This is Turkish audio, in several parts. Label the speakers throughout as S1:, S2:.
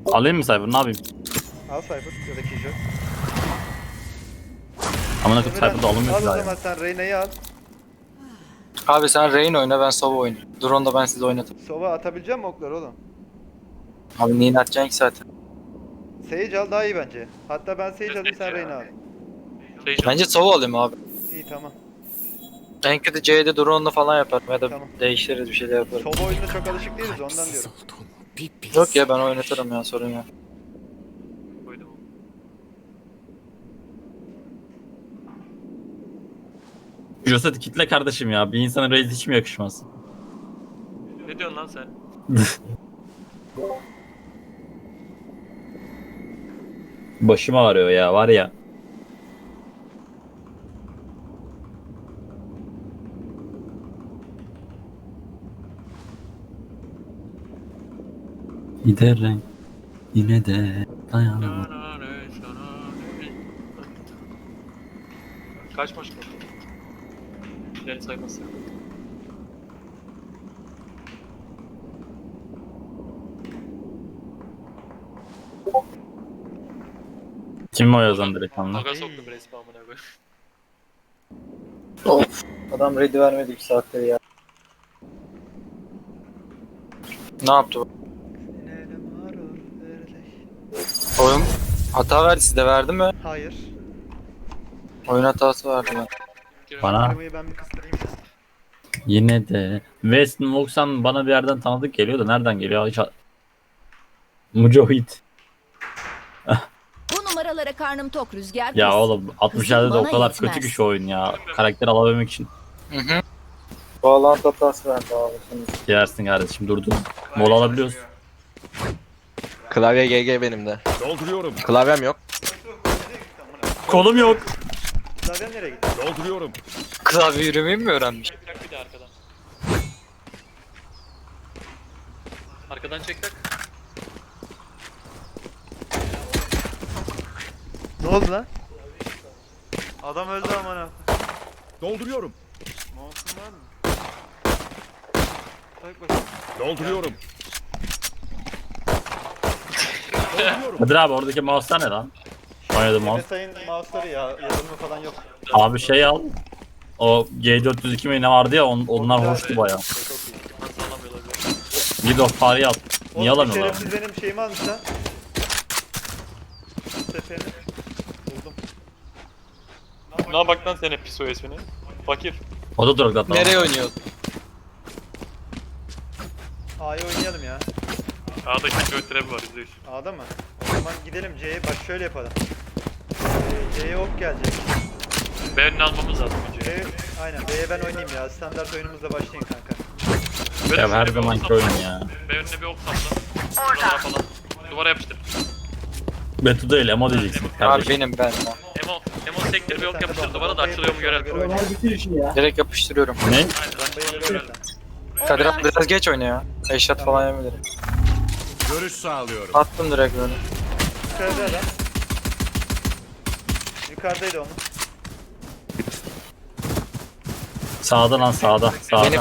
S1: Alayım mı Cypher, ne yapayım?
S2: Al Cypher ya da Kijo.
S1: Amına koyayım
S2: Emirhan,
S1: Cypher'da alınmıyor
S2: al
S1: ki
S2: o
S1: daha
S2: zaman
S1: ya.
S2: sen Reyna'yı al.
S3: Abi sen Reyna oyna, ben Sova oynayayım. Drone da ben size oynatırım.
S2: Sova atabilecek mi oklar oğlum?
S3: Abi neyin atacaksın ki zaten?
S2: Sage al daha iyi bence. Hatta ben Sage alayım sen Reyna al.
S3: Bence Sova alayım abi.
S2: İyi tamam.
S3: En kötü C'de drone'la falan yaparım ya da
S2: Tamam.
S3: değiştiririz bir şeyler yaparım.
S2: Sova oyununa çok alışık değiliz ondan diyorum.
S3: Yok ya, ben oynatırım ya, sorun yok.
S1: Josette kitle kardeşim ya. Bir insana raid hiç mi yakışmaz?
S4: Ne diyorsun lan sen?
S1: Başım ağrıyor ya var ya. Giderim yine de dayanamam.
S4: Kaç maç kaldı? İleri saymazsak.
S1: Kim o yazan direkt anla?
S4: Aga soktum resmi amına koyayım.
S3: Of. Adam ready vermedi 2 saattir ya. Ne yaptı bu? Oyun hata verdi, size verdi mi?
S2: Hayır.
S3: Oyun hatası verdi ben.
S1: Bana
S2: Arabayı ben bir kıstırayım ya.
S1: yine de Weston Voxan bana bir yerden tanıdık geliyor da nereden geliyor hiç Mücahit.
S5: Bu numaralara karnım tok Rüzgar.
S1: Ya
S5: kız.
S1: oğlum 60'larda da
S5: Kızım
S1: o
S5: bana
S1: kadar
S5: yetmez.
S1: kötü ki şu oyun ya. Karakter alabilmek için
S3: Hı hı. Bağlantı hatası verdi abi.
S1: yersin kardeşim durdun. Mola alabiliyoruz.
S6: Klavye GG benim de.
S7: Dolduruyorum.
S6: Klavyem yok.
S1: Kolum yok.
S2: Zaten nereye gitti?
S7: Dolduruyorum.
S3: Klavye yürümeyi mi öğrenmiş?
S4: Çek tak bir de arkadan. Arkadan çek tak.
S2: Ne oldu lan? Adam öldü amına.
S7: Dolduruyorum.
S2: Mouse'un var mı? Tak bakalım.
S7: Dolduruyorum. Dolduruyorum.
S1: Kadir abi oradaki mouse'lar ne lan? Oynadım mouse.
S2: MSI'nin mouse'ları ya yazılımı falan yok.
S1: Abi şey al. O G402 mi ne vardı ya onlar hoştu baya.
S2: Çok iyi.
S4: Nasıl alamıyorlar ya?
S1: Gid of Paris'i al. Niye
S2: Oğlum, bir
S1: alamıyorlar?
S2: şerefsiz benim şeyimi almış lan. Seferini. Buldum.
S4: Ne bak lan senin pis ismini. Fakir.
S1: O da drogda tamam.
S3: Nereye oynuyor?
S2: A'yı oynayalım ya.
S4: A'da kickroll trap var %100.
S2: A'da mı? O zaman gidelim C'ye. Bak şöyle yapalım. C'ye ok gelecek.
S4: B önüne almamız lazım önce.
S2: B, aynen B'ye ben oynayayım ya. Standart oyunumuzla başlayın kanka.
S4: Böyle
S1: Ya her
S4: şöyle bir
S1: zamanki
S4: ok
S1: oyun
S4: sapla.
S1: ya.
S4: B önüne bir ok sapla. Oralara falan. Duvara yapıştır.
S1: Betu değil Emo diyeceksin
S3: Abi
S1: kardeşim.
S3: benim ben.
S4: Emo sektir bir ok yapıştır duvara da açılıyor mu görelim.
S3: Direkt yapıştırıyorum.
S1: Ne?
S4: Aynen
S2: Bombayı
S4: açılıyor görelim.
S3: Kadir abi biraz geç oyna ya. Eşat falan yemedim.
S7: Görüş sağlıyorum.
S3: Attım direkt böyle.
S2: Yukarıda adam. Yukarıdaydı onun.
S1: Sağda lan sağda. Sağda.
S3: Beni-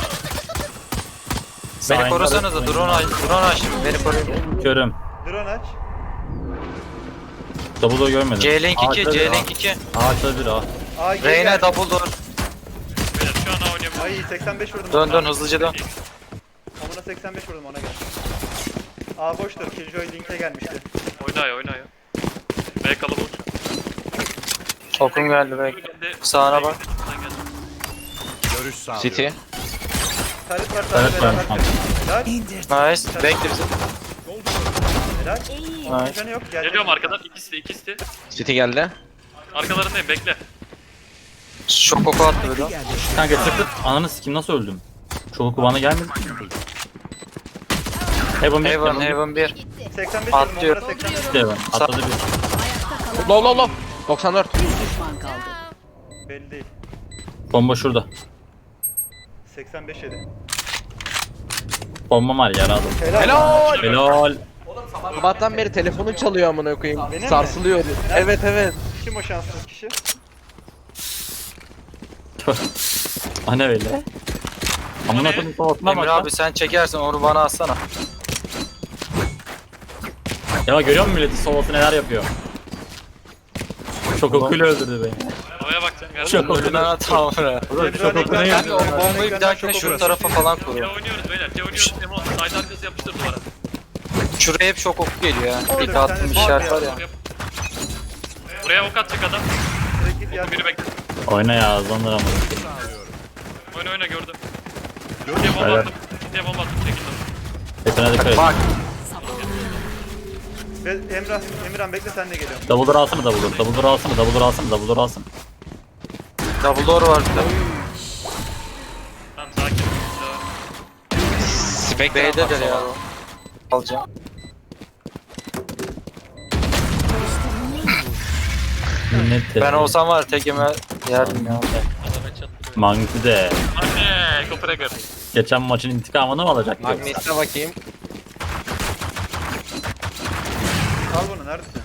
S3: Beni korusanız da drone aç şimdi, beni koruyun.
S1: Körüm.
S2: Drone aç.
S1: Double'u görmedim.
S3: C-Link 2,
S1: Ağaçta bir,
S3: C-Link 2.
S1: Ağaçta bir o.
S2: A gel.
S3: Reyna double door.
S4: Beyler şu an A oynayabiliriz.
S2: Ay 85 vurdum.
S3: Dön dön hızlıca dön.
S2: Amına 85 vurdum ona gel. A boştur. Killjoy link'e gelmişti.
S4: Oyna ya oyna ya. B kalabalık.
S3: Okum geldi belki.
S4: Önünde-
S3: Sağına bak.
S4: Sen gel.
S7: Görüş sağlıyorum.
S6: City.
S2: Taret var
S1: Evet
S2: taret
S1: var.
S2: beraber. Helal.
S3: Nice. Bekle bizi.
S2: Helal.
S5: İyi.
S3: Nice.
S2: Canı yok. Gelecek.
S4: Geliyorum arkadan. İkisi de.
S6: City geldi.
S4: Arkalarındayım bekle.
S3: Şok oku attı böyle.
S1: Kanka tıklı. Ananı sikim nasıl öldüm? Çoğu bana gelmedi. Heaven bir.
S3: Heaven, Heaven 1.
S2: 85
S3: Atlıyor.
S2: vurdum. Ona 85.
S1: Heaven. Atladı bir.
S6: Low low low. 94.
S5: Bir düşman kaldı.
S2: Belli değil.
S1: Bomba şurada.
S2: 85 yedi.
S1: Bomba var yaralı.
S6: Helal.
S1: Helal.
S6: Sabahtan beri telefonu çalıyor amına koyayım.
S2: Benim mi?
S6: Sarsılıyor. Evet evet.
S2: Kim o şanssız kişi?
S1: Ana öyle. Amına koyayım kafasına
S3: Emir
S1: bak.
S3: abi sen çekersin, onu bana atsana.
S1: Ya görüyor musun milletin sovası neler yapıyor? Çok okuyla öldürdü beni.
S4: Havaya bakacaksın. Gel.
S1: Çok okuyla.
S3: Ölüden atam buraya.
S1: Çok okuyla
S3: Kanka o bombayı bir dahakine şu tarafa falan
S4: C
S3: kur.
S4: oynuyoruz beyler. C oynuyoruz. Demo. Side arkası yapıştır duvara.
S3: Şuraya hep şok oku geliyor ya.
S2: Orada
S3: İlk
S2: bir
S3: attığım
S2: tane
S3: işaret
S2: var
S3: var
S2: ya.
S3: ya.
S4: Buraya ok atacak adam.
S2: Direkt git ya.
S4: Biri bekle.
S1: Oyna ya hızlandır ama.
S4: Oyna oyna gördüm. Diye bomba
S1: Helal.
S4: attım. Diye bomba attım. Çekildim.
S1: Hepine dikkat et.
S3: Bak
S2: Ve Emirhan bekle sen de geliyorsun.
S1: Double door alsana double door. Double door alsana double door alsana double door alsana.
S3: double door var bir de.
S4: Tamam sakin.
S3: B'dedir ya. Alacağım.
S1: Minnet de.
S3: Ben olsam var tekeme yerdim ya.
S1: Magni de.
S4: Anne, Kopenhagen.
S1: Geçen maçın intikamını mı alacak yoksa?
S6: Magnet'e bakayım.
S2: Al bunu neredesin?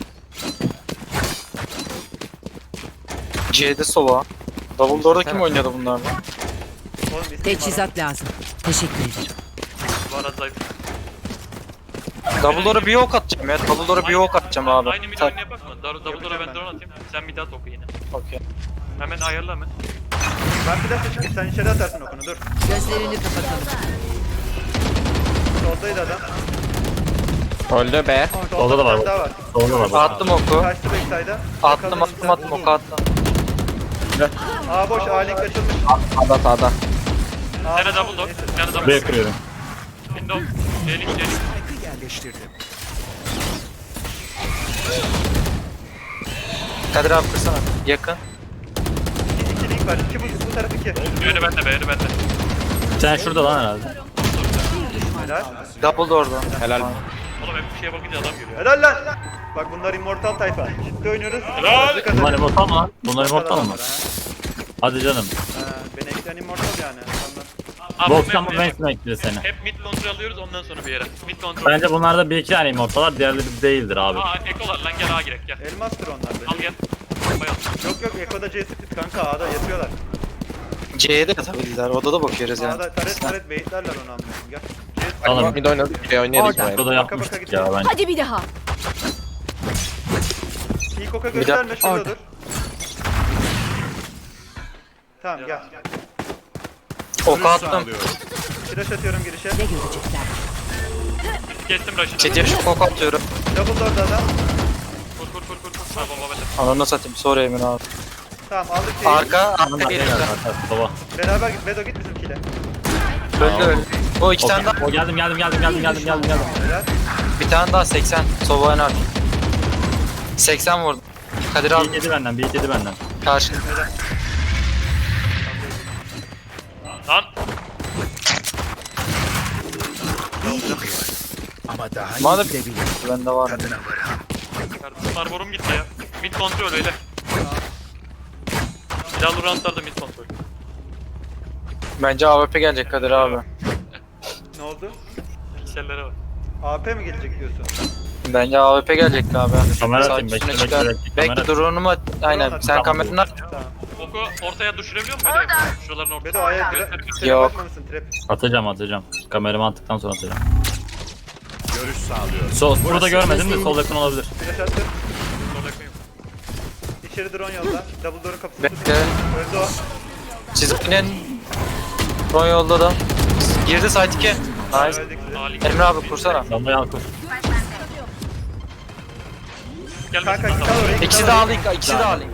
S3: C'de sova. Double door'da kim oynuyordu bunlarla?
S2: Oğlum isim
S5: Teçhizat lazım. Teşekkür ederim.
S4: Bu arada zayıf.
S3: Double door'a bir ok atacağım ya. Double door'a bir ok atacağım abi.
S4: Aynı mid oyunu yapak mı? Double door'a ben drone atayım. Sen mid at oku yine.
S3: Okey.
S4: Hemen ayarla hemen.
S2: Ben bir dakika çıkayım sen içeri atarsın okunu dur.
S5: Gözlerini kapatalım.
S2: Soldaydı adam.
S6: Öldü be.
S1: Solda da var
S2: bir tane
S1: bak.
S2: daha var.
S1: Solda da var.
S3: Attım oku.
S2: Kaçtı backside'a.
S3: Attım oku attım.
S2: A boş A link açılmış.
S6: Sağda sağda.
S2: A
S4: Bir tane double door. Bir tane double
S1: Buraya
S4: door.
S1: kırıyorum.
S4: Window. Delik delik.
S3: Kadir abi kırsana. Yakın.
S2: İki link var. İki bu taraf iki.
S4: Yönü bende be, yönü bende.
S1: Sen şurada lan herhalde.
S2: Helal.
S3: Double door'da.
S6: Helal.
S4: Oğlum hep bir şeye bakınca adam görüyor.
S2: Helal lan. Bak bunlar immortal tayfa. Ciddi oynuyoruz.
S4: Helal.
S2: Hızlı kazanıyoruz.
S1: Bunlar immortal mı lan? Bunlar immortal mı?
S2: Adamlar, ha.
S1: Hadi canım.
S2: Ha, beni ekleyen immortal yani. Adamlar.
S4: Abi,
S1: Boktan mı
S4: hep-
S1: Vance mi ekledi seni?
S4: Hep mid kontrol alıyoruz ondan sonra bir yere. Mid kontrol.
S1: Bence bunlarda bir iki tane immortal var. Diğerleri değildir abi.
S4: Aa ekolar lan gel A girek gel.
S2: Elmastır onlar
S4: Al
S2: benim.
S4: gel. Bayıl.
S2: Yok yok Eko'da C split kanka A'da yatıyorlar.
S3: C'ye de katabilirler. Odada bakıyoruz yani.
S2: A'da taret baitlerler onu anlıyorum. Gel. C split.
S1: Alın.
S6: Bir de oynadık. Bir oynayalım burayı.
S1: Burada yapmıştık ya bence.
S5: Hadi bir daha.
S2: İlk oka gösterme şurada
S3: orada.
S2: dur. Tamam gel.
S3: Oku
S7: Görüş
S3: attım.
S7: sağlıyorum.
S2: Flash atıyorum girişe.
S5: Ne görecekler?
S4: Kestim Raşid'i.
S3: Çetiye şu ok atıyorum.
S2: Double door'da adam.
S4: Kur kur kur kur kur. Ha bomba bende.
S3: Ananı satayım. Sorry Emin abi.
S2: Tamam aldık şeyi.
S3: Arka
S1: Bunlar
S3: geliyor.
S1: geliyor zaten. Baba.
S2: Beraber git. Bedo git bizimkiyle.
S3: Öldü öldü. O iki tane daha.
S1: O geldim.
S2: Helal.
S3: Bir tane daha 80. Sova en 80 vurdum. Kadir
S1: Bir
S3: abi
S1: iki yedi benden, bir iki yedi benden.
S3: karşı.
S4: Lan.
S3: Madem bende var.
S4: Kardeşim Barbarum gitti ya. Mid kontrol öyle. Silahlı roundlarda mid kontrol.
S3: Bence AWP gelecek Kadir abi.
S2: Ne oldu?
S4: Piksellere bak.
S2: AP mi gelecek diyorsun?
S3: Bence AWP gelecek abi.
S1: Kamera
S3: Saat
S1: atayım,
S3: üstüne
S1: bekle,
S3: çıkar.
S1: bekle, bekle, kamera.
S3: Bekle drone'umu at. Aynen sen
S1: Tamam.
S3: kameranı at.
S2: Tamam.
S4: Oku ortaya düşürebiliyor musun? Öyle yapayım. Şuraların ortaya.
S2: Bedo A'ya trap
S3: Yok.
S2: atmamışsın trap.
S1: Atacağım. Kameramı attıktan sonra atacağım.
S7: Görüş sağlıyorum.
S1: Burada görmedim de sol yakın olabilir.
S2: Flash attım.
S4: Orada koyayım.
S2: İçeri drone yolla. Double door'un kapısını
S3: Bekle.
S2: tutun. Öldü o.
S3: Siz inin. Drone yolda da. Girdi site 2. Nice.
S2: Öldük size.
S4: Ali.
S3: Emre abi kursana.
S1: Damlayı al kur.
S4: Gelmesin
S2: Kanka
S4: lan
S2: git
S4: tamam.
S2: al oraya.
S3: İkisi de alayım. İkisi de alayım.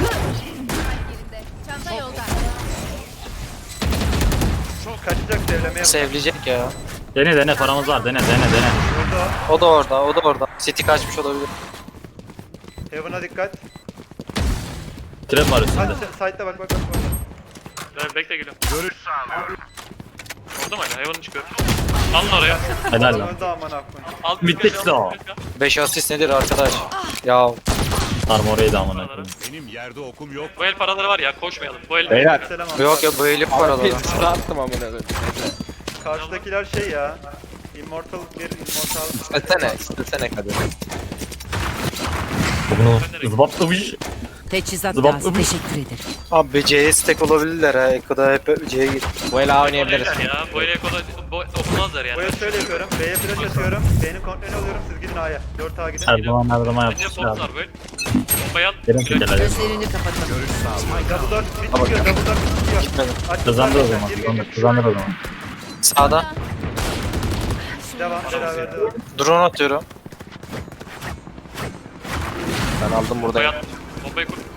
S2: Kaçacak devlemeye bak.
S3: Sevleyecek ya.
S1: Dene paramız var dene.
S2: Öldü o.
S3: O da orada. O da orada. City kaçmış olabilir.
S2: Heaven'a dikkat.
S1: Trap var üstünde.
S2: Hadi side'da bak.
S4: Evet, bekle geliyorum.
S7: Görüş
S4: Orada mı hala? Hayvanı çıkıyor. Alın oraya.
S1: Helal lan.
S2: Öldü aman akmayın.
S4: Al
S1: Bittik de o.
S3: 5 asist nedir arkadaş? Ya
S1: Sarma orayı da amına koyayım.
S7: Benim yerde okum yok.
S4: Bu el paraları var ya koşmayalım. Bu el
S6: Beyler.
S2: Selam
S3: yok ya bu elif var
S6: Bir
S3: arada.
S6: sıra attım amına koyayım.
S2: Karşıdakiler şey ya. Immortal bir immortal.
S6: İstesene Kadir.
S1: Zıbaplamış.
S5: Teçhizat
S1: Zıbap-
S5: lazım. Teşekkür ederim.
S3: Abi C'ye stack olabilirler ha. Eko'da hep C'ye git.
S6: Bu el A oynayabiliriz.
S4: Ya böyle kolay okumazlar yani.
S2: Boya şöyle yapıyorum. B'ye flash atıyorum. B'nin kontrolünü alıyorum. Siz gidin A'ya. 4A gidin.
S1: Her zaman
S4: Bence
S1: yapmışlar.
S4: Fox var böyle. Bombayı at.
S1: Gelin tekeler.
S5: Gözlerini kapatalım.
S7: Görüş sağlıyorum.
S2: Double door mid çıkıyor. Double door mid çıkıyor.
S3: Gitmedim.
S2: Açtık
S1: Kazandır o
S2: zaten.
S1: zaman.
S2: Gir, gir,
S1: Kazandır,
S2: gir.
S1: kazandır o zaman.
S3: Sağda.
S2: Devam. Beraber devam.
S3: Drone atıyorum.
S6: Ben aldım
S4: Bombayı
S6: buradayım.
S4: at. Bombayı kur.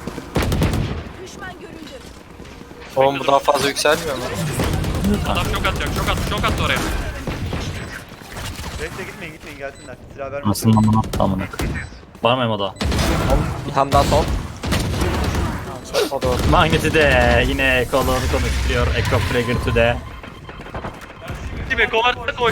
S3: Oğlum bu daha fazla yükselmiyor mu?
S4: Adam çok atacak. Çok attı oraya.
S2: Bekle gitmeyin gelsinler. Silah vermesin.
S1: Nasıl amına amına. Var mı Emo'da?
S6: Bir tane daha son.
S3: O da orada.
S1: Magneti de yine kolunu konuşturuyor. Echo Trigger to the.
S4: Değil mi? Kovartma koş.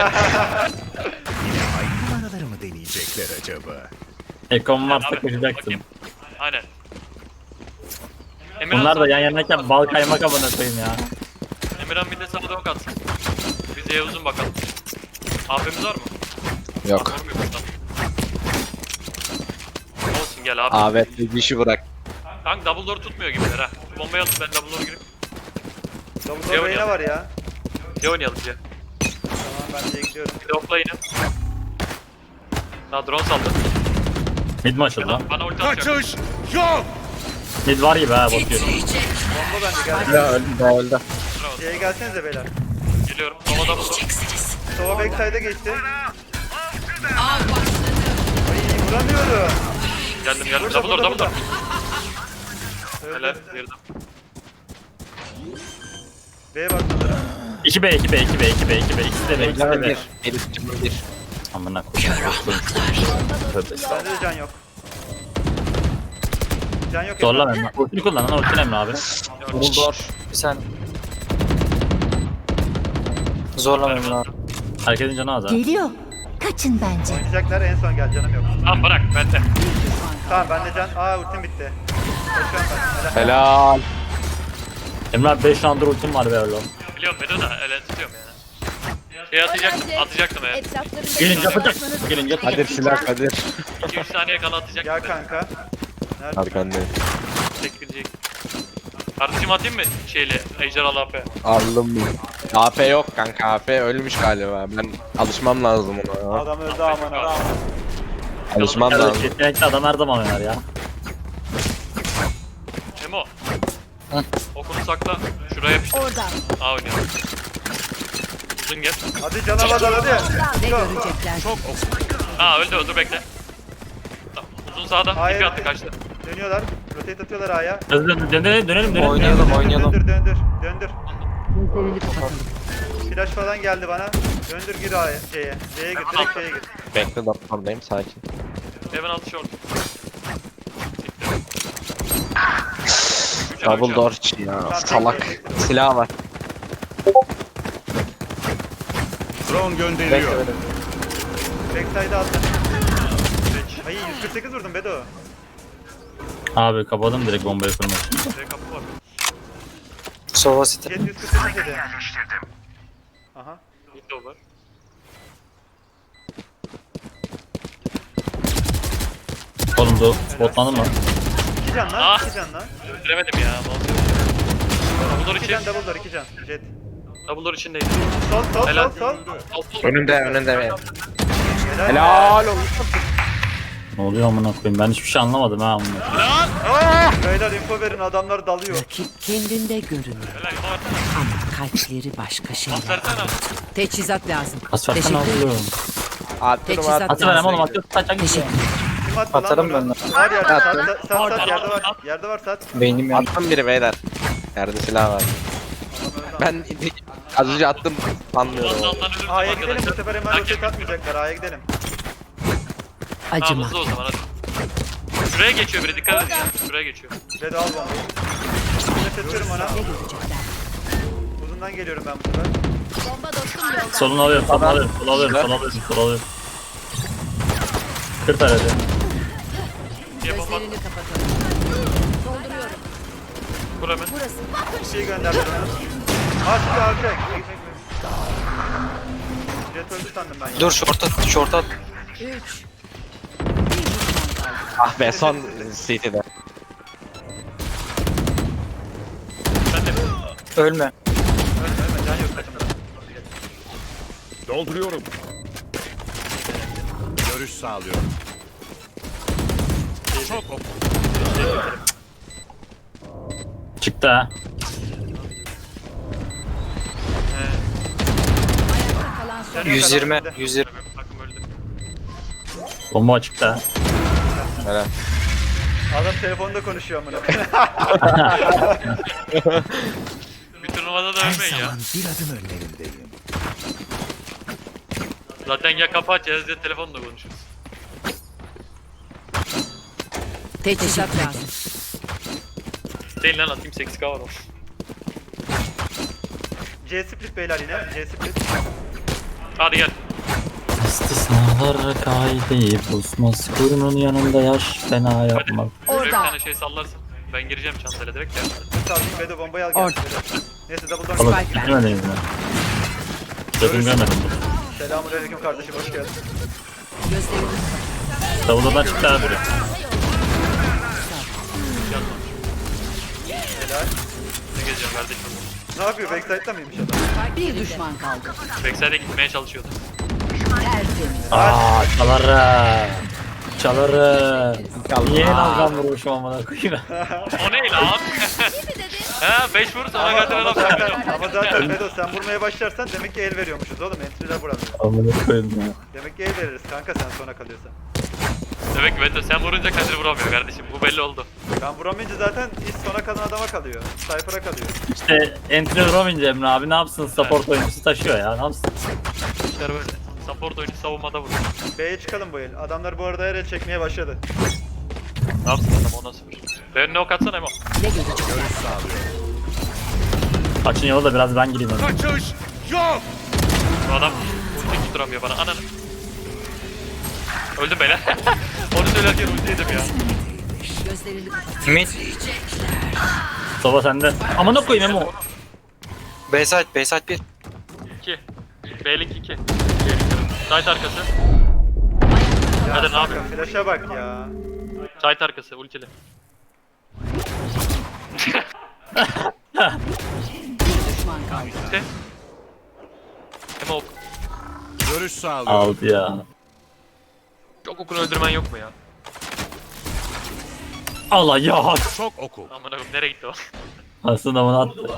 S7: Numaraları mı deneyecekler acaba?
S1: Echo'm varsa
S4: Abi,
S1: koşacaksın.
S4: bakayım. Aynen. Emirhan
S1: Bunlar da
S4: sana-
S1: yan yanayken bal kaymak amına koyayım ya.
S4: Emirhan bir de sana da ok atsın. Biz de uzun bakalım. AP'miz var mı?
S6: Yok.
S4: Var mı? Tamam. Olsun gel abi.
S6: Abi bir işi bırak.
S4: Kanka double door tutmuyor gibiler ha. Bombayı atıp ben double door girip
S2: Double
S4: Ne
S2: door B'ne
S4: oynayalım?
S2: var ya.
S4: C oynayalım C.
S2: Tamam ben C'ye gidiyorum.
S4: Bir de okla yine. Daha drone saldı.
S1: Mid mi açıldı lan?
S4: Bana ulti atacak.
S7: Kaçış yok.
S1: Mid var gibi ha bakıyorum.
S2: Bomba bende geldi.
S6: Ya öldü daha öldü.
S4: Bravo.
S2: C'ye gelsenize beyler.
S4: Geliyorum. Sova double door.
S2: Sova backside'e geçti. Ay vuramıyorum.
S4: Geldim. Double door.
S2: Öldü.
S4: Helal. Girdim.
S2: B'ye bak sanırım.
S1: 2B 2B 2B 2B 2B ikisi de B ikisi de
S6: Canım
S1: B.
S6: bir. Elif canım bir.
S1: Amına koyayım. Tövbe.
S2: Bende de can yok. Can yok.
S1: Zorla
S2: Emre.
S1: Emre. Ultini kullan lan ultini Emre abi.
S6: Bulldor.
S3: Bir saniye. Zorlamayın abi.
S1: Herkesin canı az ha.
S8: Geliyor. Kaçın bence.
S2: Oynayacaklar en son gel canım yok.
S4: Tamam bırak bende.
S2: Tamam bende can. Ultim bitti. Koşuyorum ben. Helal.
S6: Helal.
S1: Emre abi 5 roundur ultim var be oğlum.
S4: Biliyorum Bedo da ele tutuyorum yani. Şey atacaktım eğer.
S1: Gelince yapacak. Gelince yapacak.
S6: Kadir silah Kadir.
S4: 2-3 saniye kala atacaktım.
S2: Gel kanka. Nerede?
S6: Arkandayım.
S4: Tek gidecek. Kardeşim atayım mı şeyle ejderhalı AP?
S6: Aldım mı? AP yok kanka. AP ölmüş galiba. Ben alışmam lazım ona. ya.
S2: Adam öldü aman ha.
S6: Alışmam lazım.
S1: Yetenekli adam her zaman oynar ya.
S4: Emo. Okunu sakla. Şuraya yapıştır.
S8: Orada.
S4: A oynayalım. Uzun gel.
S2: Hadi canavarlar hadi.
S5: Ne
S2: Go.
S5: görecekler?
S4: Öldü dur bekle. Tamam. Uzun sağda.
S2: Hayır.
S4: İpi attı kaçtı.
S2: Dönüyorlar. Rotate atıyorlar A'ya.
S1: Hızlı dönelim.
S3: Oynayalım.
S2: Döndür.
S5: Gözlerini kapatalım.
S2: Flash falan geldi bana. Döndür gir A'ya. C'ye gir. Direkt C'ye gir.
S6: Bekle oradayım sakin.
S4: Hemen altı short.
S6: Double door için ya. Salak. Silah var.
S7: Drone gönderiliyor.
S6: Bekle.
S2: Backside'a attım. Ay 148 vurdum Bedo.
S1: Abi kapadım direkt bombayı kurmak.
S4: Direkt kapı var.
S3: Sova City.
S2: Jet 148 dedi. Aha.
S4: Window var.
S1: Oğlum bu spotlandın mı?
S2: 2 can lan.
S4: Ah.
S2: 2 can lan.
S4: Öldüremedim ya. Double door
S2: 2
S4: için.
S2: can double door 2 can. Jet.
S4: Double door içindeydi.
S2: Sol
S4: Helal.
S2: sol.
S6: Önünde.
S2: Helal.
S6: Helal olsun.
S1: Ne oluyor amına koyayım? Ben hiçbir şey anlamadım ha amına koyayım.
S2: Beyler info verin adamlar dalıyor.
S5: Rakip kendinde görünüyor.
S4: Helal. Info versene.
S5: Ama kalpleri başka
S4: Pas
S5: şeyler.
S4: versene.
S5: Teçhizat lazım.
S1: Pas versene
S5: Teşekkür ederim.
S1: oğlum.
S6: Attım
S5: Teçhizat
S6: attım.
S1: Atı verem oğlum atı kaçak
S5: Teşekkür
S1: gidiyor.
S5: ederim.
S2: Kim attı lan
S3: Atarım
S2: bunu?
S3: ben de.
S2: Var yerde.
S6: Attım.
S2: Sat yerde var. Yerde var sat.
S3: Beynim yandı.
S6: Attım biri beyler. Yerde silah var. Ben az önce attım anlıyorum.
S4: Ondan ölürsün
S2: A'ya gidelim bu
S4: arkadaşlar.
S2: sefer hemen
S4: Hak
S2: rotate
S4: etmiş.
S2: atmayacaklar. A'ya gidelim.
S4: Tamam
S5: Acıma.
S4: hızlı o zaman hadi. Şuraya geçiyor biri dikkat edin ya. Şuraya geçiyor.
S2: Bedo al bombayı. Üstüne seçiyorum ona.
S5: Ne görecekler?
S2: Uzundan geliyorum ben bu sefer.
S8: Bomba dostum yolda.
S1: Solunu alıyorum, solunu alıyorum, solunu alıyorum. Kır taradı.
S4: Diye bomba
S5: Gözlerini kapatalım.
S8: Dolduruyorum.
S4: kur hemen.
S8: Burası.
S2: Bir şey gönderdim ona. Çıktı alacak. Jet öldü sandım ben ya.
S3: Dur short at.
S5: 3.
S6: Ah be son CT'de.
S3: Ölme.
S2: Ölme can yok takımda.
S7: Dolduruyorum. Görüş sağlıyorum. Çok ok.
S1: Çıktı ha.
S8: Kalan son.
S2: Can yok
S3: 120.
S2: adamın önünde.
S3: 120.
S4: Takım öldü.
S1: Bomba açıkta ha.
S6: Helal.
S2: Adam telefonda konuşuyor amına.
S4: Bir turnuvada da
S7: Her
S4: ölmeyin ya.
S7: zaman bir adım önlerindeyim.
S4: Zaten ya kapı açacağız ya telefonla konuşuruz.
S5: Teçhizat lazım.
S4: Değil lan atayım 8K var o.
S2: C split beyler yine. C split.
S4: Hadi gel.
S1: İstisnalar kaide bozmaz. Kurunun yanında yaş fena
S4: Hadi.
S1: yapmak.
S4: Şuraya bir
S8: Orada.
S4: tane şey sallarsın. Ben gireceğim çantayla direkt gel.
S2: Sağ Bedo bombayı al
S5: Orada.
S2: gel. Neyse double
S1: Oğlum
S2: door.
S5: Spike
S1: gitmediniz mi? Gözüm görmedim.
S2: Selamünaleyküm kardeşim hoş geldin.
S5: Gözlerini
S1: Davuladan çıktı abi.
S2: Helal.
S4: Ne gezeceğim kardeşim.
S2: Ne yapıyor? Backside'da mıymış adam?
S5: bir düşman kaldı.
S4: Backside'e gitmeye çalışıyordu.
S5: Tertemiz.
S1: Aaa çalarım. Çalarım. Niye nalgan vurmuşum amına koyayım.
S4: O ne lan? Ha 5 vur sonra
S2: Ama,
S4: kadar
S2: ama
S4: adam
S2: zaten, ama zaten Bedo sen vurmaya başlarsan demek ki el veriyormuşuz oğlum. Entry'ler vuramıyor.
S1: Amına koyayım ya.
S2: Demek ki el veririz kanka sen sona kalıyorsan.
S4: Demek ki Beto sen vurunca Kadir vuramıyor kardeşim. Bu belli oldu.
S2: Ben vuramayınca zaten iş sona kalan adama kalıyor. Sniper'a kalıyor.
S1: İşte entry vuramayınca Emre abi ne yapsın support oyuncusu taşıyor ya ne yapsın.
S4: İşler böyle. Support oyuncu savunmada vurur.
S2: B'ye çıkalım bu el. Adamlar bu arada her el çekmeye başladı.
S4: Ne yapsın adam ona sıfır. Ben ne ok atsana Emo.
S5: Ne görecekler?
S7: Görüş sağlıyorum.
S1: Açın yolu da biraz ben gireyim. Hadi.
S7: Kaçış yok.
S4: Bu adam ulti tutturamıyor bana. Ananı. Öldüm beyler. Onu söylerken ulti yedim ya.
S5: Gözlerini kapat.
S3: Mid.
S1: Soba sende. Amına koyayım Emo.
S3: B-side. B-side 1.
S4: 2. B'lik 2. Site arkası. Hadi ne yapayım?
S2: Flash'a bak ya.
S4: Site arkası ultili.
S5: Bir düşman kaldı.
S4: İşte. Emo ok.
S7: Görüş sağlıyorum.
S1: Aldı ya.
S4: Çok okunu öldürmen yok mu ya?
S1: Allah ya.
S7: Çok oku.
S4: Aman akım nereye gitti o?
S1: Aslında onu attı.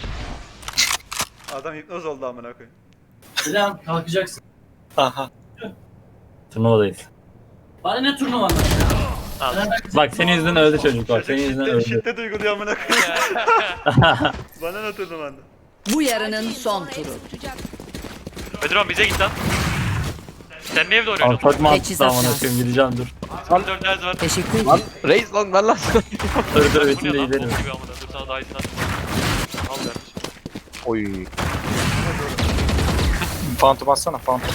S2: Adam hipnoz oldu amına koyayım.
S1: Selam kalkacaksın.
S3: Aha.
S1: Turnuvadayız.
S9: Bana ne turnuvan?
S4: Al.
S1: Bak senin yüzünden öldü çocuk bak senin yüzünden öldü.
S2: Şiddet uyguluyor amına koyayım. Bana ne oturdum anda?
S5: Bu yarının son turu.
S4: Bedron bize git lan. Sen niye evde
S1: Ama
S4: oynuyorsun?
S1: çok mantıklı
S5: Teçhizat
S1: amına
S5: lazım.
S1: koyayım gideceğim dur.
S4: 4 ders var.
S5: Teşekkür
S6: Lan
S5: ederim.
S6: reis lan ben lan.
S1: Dur dur
S4: Bu ne
S1: üstünde
S4: lan?
S1: gidelim.
S4: Bok gibi amına. Dur sana daha iyisini atayım. Al kardeşim.
S6: Oy.
S3: Phantom atsana. Phantom.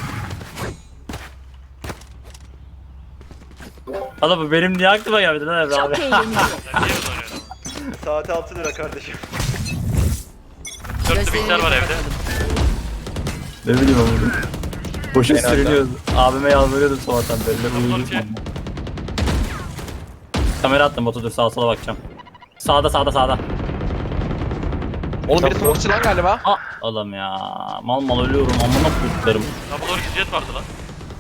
S1: Allah bu benim niye aklıma gelmedi lan Emre abi.
S8: Çok eğleniyor.
S4: Sen niye evde oynuyorsun?
S2: Saati 6 lira kardeşim.
S4: 4 bilgisayar var evde.
S1: Ne bileyim oğlum. Boşa sürünüyoruz. Abime yalvarıyordum sabahtan beri. Uyuyordum.
S4: Doktor
S1: Kamera attım Batu dur sağa sola bakacağım. Sağda sağda sağda.
S6: Oğlum biri smokeçı lan galiba.
S1: Aa oğlum ya. Mal mal ölüyorum amına koyduklarım.
S4: Double door jet vardı lan.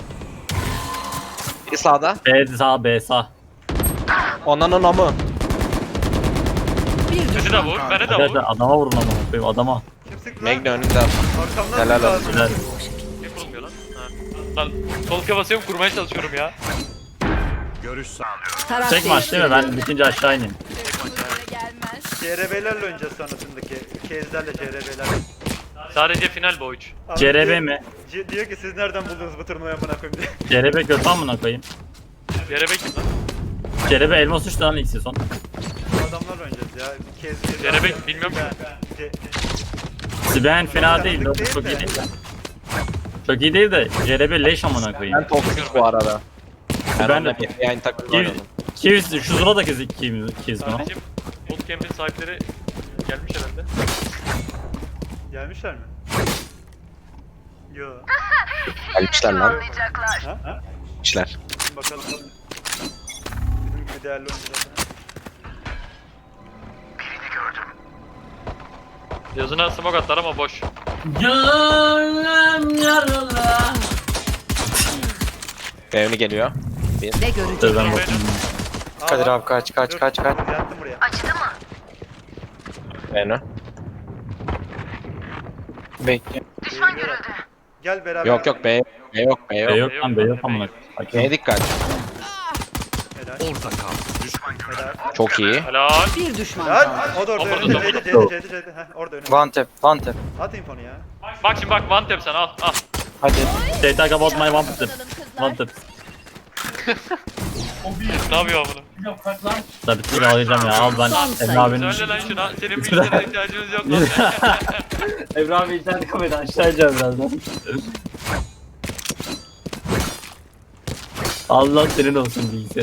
S6: Biri sağda.
S1: B sağ B sağ.
S6: Onların amı.
S5: Bir
S4: Beni de
S5: düşman
S4: vur.
S5: kaldı.
S4: Beni de
S1: Arkadaşlar
S4: vur.
S1: adama vurun amına koyayım adama.
S2: Kim sıktı lan?
S6: Magna önünde.
S2: Arkamdan
S6: Helal
S2: mı
S6: olsun.
S2: lazım?
S1: Güzel.
S4: Niye kurulmuyor lan? Ha. Lan sol basıyorum kurmaya çalışıyorum ya.
S7: Görüş sağlıyorum.
S5: Taraf
S1: Tek maç değil mi? Ben bitince aşağı ineyim.
S2: CRB'lerle oynayacağız sonrasındaki. Kezlerle CRB'lerle.
S4: Sadece final bu üç.
S2: Abi
S1: CRB
S2: diyor-
S1: mi?
S2: Diyor ki siz nereden buldunuz bu turnuvayı amına koyayım diye.
S1: CRB kötü amına koyayım.
S4: Yere bekle lan.
S1: CRB elmas uçtu lan ilk sezon.
S2: Bu adamlarla oynayacağız ya. Kez.
S4: CRB bilmiyorum ki.
S1: Siben fena değil.
S2: Tanıdık değil
S1: Çok iyi
S2: de.
S1: değil de. Çok iyi değil de CRB leş amına koyayım.
S6: Ben toksik bu arada. Ben
S1: Ben de-
S6: onunla bir aynı takımda
S1: Kiv,
S6: oynadım.
S1: Kiv şu Zula da kiz mi?
S4: Kardeşim bootcamp'in sahipleri gelmiş herhalde.
S2: Gelmişler mi? Yo.
S6: Gelmişler lan.
S2: Ha?
S6: Gelmişler.
S2: Şimdi bakalım. Bizim gibi değerli oyuncular.
S4: Yazına smoke atlar ama boş.
S9: Gönlüm yaralı.
S6: Beğeni geliyor.
S5: Ne
S1: Dur ben
S5: görecekler?
S1: bakayım.
S3: Kadir abi kaç kaç
S2: Dur,
S3: kaç kaç.
S2: Yattım buraya.
S6: Beğeni.
S3: Bekle.
S2: Gel beraber.
S6: Yok yok B. B yok B
S1: B
S6: yok.
S1: yok lan B yok amına.
S6: B'ye dikkat.
S2: Helal.
S7: Orta kal. Düşman
S2: Helal.
S6: Çok iyi.
S4: Helal.
S5: Bir düşman kaldı.
S2: Helal. O da orada.
S4: Orada,
S2: Önünde.
S4: orada.
S2: C'de. Heh, orada önünde.
S3: One tap one tap.
S2: At infonu ya.
S4: Bak şimdi bak one tap sen al al.
S3: Hadi.
S1: They talk about my one tip. One tip.
S4: Ne yapıyor bunu?
S9: Yok kalk lan.
S1: Tabii ki alacağım ya. Al ben
S5: Son
S1: Emre
S5: sayı.
S1: abinin.
S4: Söyle lan şuna. Senin bilgisayara ihtiyacımız yok lan.
S1: Emre abi internet kafede aşağı ineceğim birazdan. Allah senin olsun bilgisayar.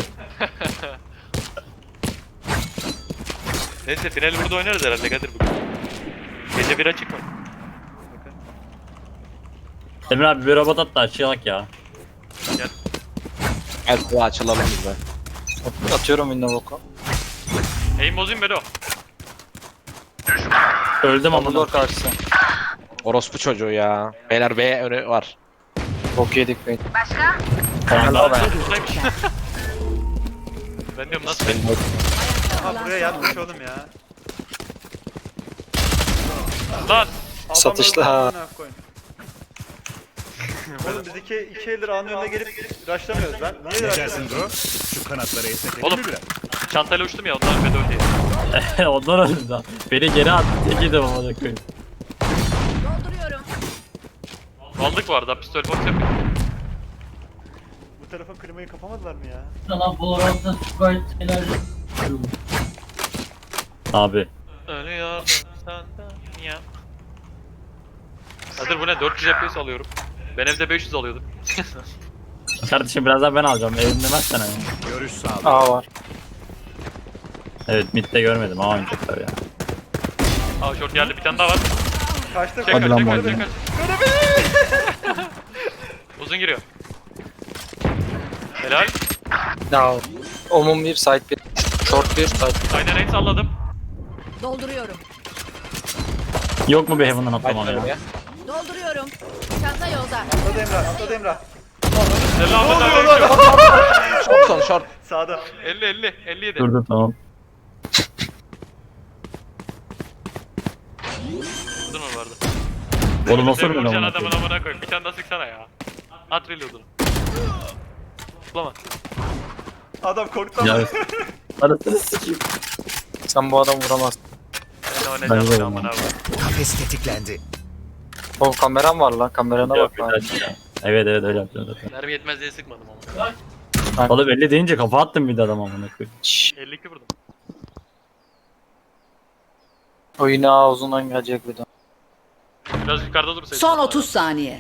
S4: Neyse final burada oynarız herhalde Kadir bugün. Gece bir açık mı?
S1: Emre abi bir robot at da açılak ya.
S6: Gel bu açılalım biz de.
S3: Atıyorum window oku.
S4: Aim bozayım Bedo.
S1: Öldüm amına.
S3: Dumbledore karşısı.
S6: Orospu çocuğu ya. Beyler B önü var.
S3: Bok yedik beyler.
S1: Tamam
S4: Aa,
S1: ben.
S4: buradaymış. Ben diyorum nasıl?
S6: Benim
S2: Aha buraya yatmış oğlum ya.
S4: Lan!
S2: Adam
S3: Satışlı
S2: öldü,
S3: ha.
S2: amına koyayım. Oğlum biz iki eldir anın önüne gelip rushlamıyoruz. Ben niye
S7: Ne
S2: rushlamıyorum?
S7: dersin bro? Şu kanatları esnetelim
S4: Oğlum.
S7: mi biraz?
S4: Çantayla uçtum ya ondan Bedo diye.
S1: Ondan öldü daha. Beni geri attı. Tek yedim amına koyayım.
S8: Dolduruyorum.
S4: Aldık bu arada pistol box yapıyor.
S2: Bu tarafa klimayı kapamadılar mı ya?
S9: Sana Valorant'ta Sprite enerji.
S1: Abi.
S4: Ölüyordum senden ya. Kadir bu ne? 400 FPS alıyorum. Ben evde 500 alıyordum.
S1: Kardeşim birazdan ben alacağım. Evim demezsen yani.
S7: Görüş sağlıyorum.
S3: A var.
S1: Evet midde görmedim ama oynayacaklar ya.
S4: Aa short geldi bir tane daha var.
S2: Kaçtı
S4: Çek
S1: Hadi
S4: kaç
S1: lan
S4: çek kaç
S1: madem.
S4: çek kaç. Uzun giriyor. Helal.
S3: Ya. Omum 1 side 1. Short 1 side 1.
S4: Aynen aim salladım.
S5: Dolduruyorum.
S1: Yok mu bir heaven'dan atlamam
S6: Başlar
S1: ya?
S6: ya.
S8: Dolduruyorum. Çanta yolda.
S2: Atladı Emrah, atladı Emrah.
S4: Selamünaleyküm.
S6: Short son short.
S2: Sağda.
S4: 50 57.
S1: Dur tamam.
S4: Uzun mu vardı?
S1: Oğlum nasıl
S4: Sen
S1: öyle
S4: vuracaksın
S1: amına
S4: adamın
S1: koyayım?
S4: amına koy. Bir tane daha sıksana ya. At reload'unu. Tutlama.
S2: Adam korktu
S1: Ya.
S2: ama.
S1: Arasını sikeyim.
S3: Sen bu adamı vuramazsın.
S4: Ben
S1: Ben de
S4: oynayacağım
S1: vurmam.
S4: amına koy.
S7: Kafes tetiklendi.
S3: O kameram var lan. Kamerana
S1: Yok,
S3: bak lan.
S1: Evet evet öyle yapıyorum zaten.
S4: Mermi yetmez diye sıkmadım ama.
S1: Oğlum 50 deyince kafa attım bir de adam amına koyayım.
S4: 52 vurdum.
S3: O yine A uzundan gelecek bir daha.
S4: Biraz yukarıda dursaydın.
S5: Son 30 saniye.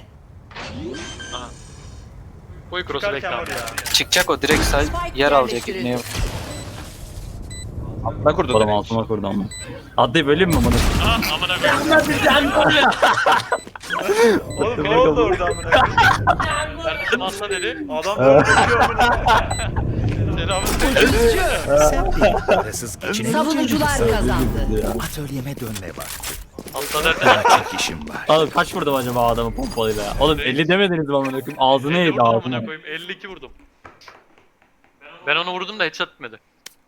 S4: Koy cross'u bekle
S2: Çıkarken
S4: abi.
S2: var ya.
S3: Çıkacak o direkt side yer alacak
S5: yerleştirildi.
S3: ibneye.
S6: Ne kurdu
S1: Oğlum
S6: direkt?
S1: altıma kurdu ama. Atlayıp öleyim mi amına koyayım?
S4: Ah amına koy.
S2: Oğlum ne oldu orada amına koyayım?
S4: Kardeşim atla dedi.
S2: Adam böyle koşuyor amına.
S4: Selamünaleyküm.
S7: Parasız geçinemeyeceğim.
S5: Savunucular kazandı.
S7: Atölyeme dönme vakti.
S4: Atla dersen
S7: Çok işim var.
S1: Oğlum kaç vurdum acaba adamı pompalıyla ya? Oğlum 50 demediniz mi amına koyayım? Ağzını
S4: 50
S1: yedi
S4: vurdum amına
S1: ağzını.
S4: koyayım. 52 vurdum. Ben onu vurdum da headshot etmedi.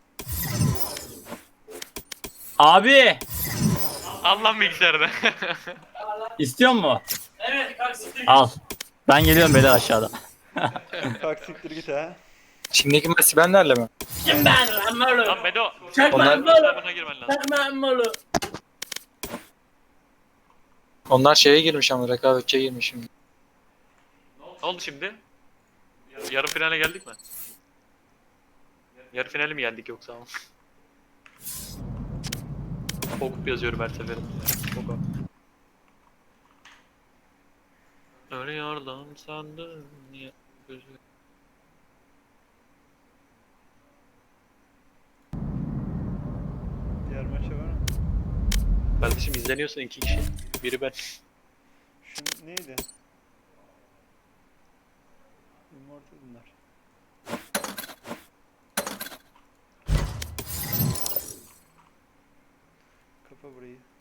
S1: Abi!
S4: Allah bilgisayarda.
S1: İstiyor mu?
S9: Evet kalk siktir.
S1: Al. Ben geliyorum beyler aşağıda.
S2: Kalk siktir git ha.
S3: Şimdiki maç Sibenlerle mi?
S9: Kim ben lan Molo?
S4: Lan Bedo.
S9: Çakma
S3: Onlar-
S9: Molo.
S4: Buna girmen lazım.
S9: Çakma Molo.
S3: Onlar şeye girmiş ama rekabetçiye girmiş şimdi.
S4: Ne oldu şimdi? Yarı finale geldik mi? Yarı finale mi geldik yoksa? Pokup yazıyorum her seferinde. Pokup. Ölüyordum sandım niye gözü.
S2: Diğer maça var mı?
S4: Kardeşim izleniyorsun iki kişi. Biri ben.
S2: Şu neydi? Immortal bunlar. Kapa burayı.